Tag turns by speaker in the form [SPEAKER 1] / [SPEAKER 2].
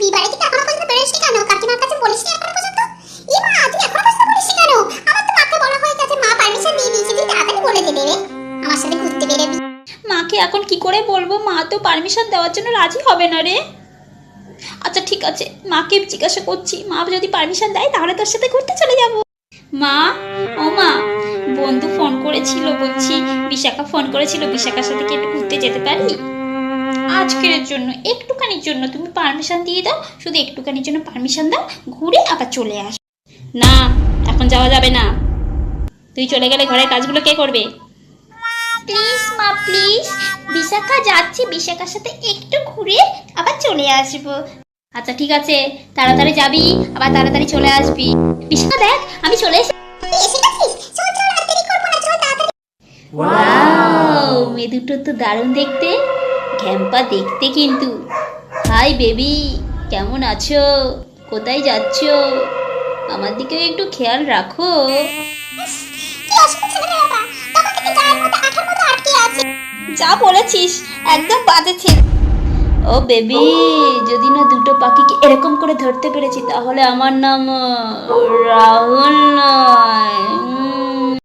[SPEAKER 1] বাড়ি থেকে এখনো পর্যন্ত বেরোসনি কেন? কাকিমার কাছে বলিসনি এখনো পর্যন্ত? এ মা, তুই এখনো পর্যন্ত বলিসনি কেন? আমার তো মাকে বলা হয়ে গেছে, মা পারমিশন দিয়ে দিয়েছে, তুই তাড়াতাড়ি বলে দে রে, আমার সাথে ঘুরতে বেরোবি।
[SPEAKER 2] মাকে এখন কি করে বলবো? মা তো পারমিশন দেওয়ার জন্য রাজি হবে না রে। আচ্ছা ঠিক আছে, মাকে জিজ্ঞাসা করছি, মা যদি পারমিশন দেয় তাহলে তোর সাথে ঘুরতে চলে যাব। মা, ও মা, বন্ধু ফোন করেছিল, বলছি বিশাখা ফোন করেছিল, বিশাখার সাথে কি একটু ঘুরতে যেতে পারি? আজকের জন্য, একটুখানির জন্য তুমি পারমিশন দিয়ে দাও, শুধু একটুখানির জন্য পারমিশন দাও, ঘুরে আবার চলে আস। না, এখন যাওয়া যাবে না। তুই চলে গেলে ঘরের কাজগুলো কে করবে? প্লিজ মা, প্লিজ, বিশাখা যাচ্ছি, বিশাখার সাথে একটু ঘুরে আবার চলে আসবো। আচ্ছা ঠিক আছে, তাড়াতাড়ি যাবি, আবার তাড়াতাড়ি চলে আসবি। বিশাখা দেখ, আমি চলে এসেছি।
[SPEAKER 1] এসে গেছিস? চল চল, আর দেরি করবো না, চল তাড়াতাড়ি।
[SPEAKER 2] ওয়াও, মেয়ে দুটো তো দারুণ দেখতে, ঘ্যাম্পা দেখতে কিন্তু। হাই বেবি, কেমন আছো? কোথায় যাচ্ছো? আমার দিকেও একটু খেয়াল রাখো।
[SPEAKER 1] কি অসুবিধা ছিল রে বাবা, তখন থেকে গায়ের মধ্যে আঠার মতো আটকে আছে।
[SPEAKER 2] যা বলেছিস একদম বাজে ছিল। ও বেবি, যদি না দুটো পাখিকে এরকম করে ধরতে পেরেছি তাহলে আমার নাম রাহুল নয়।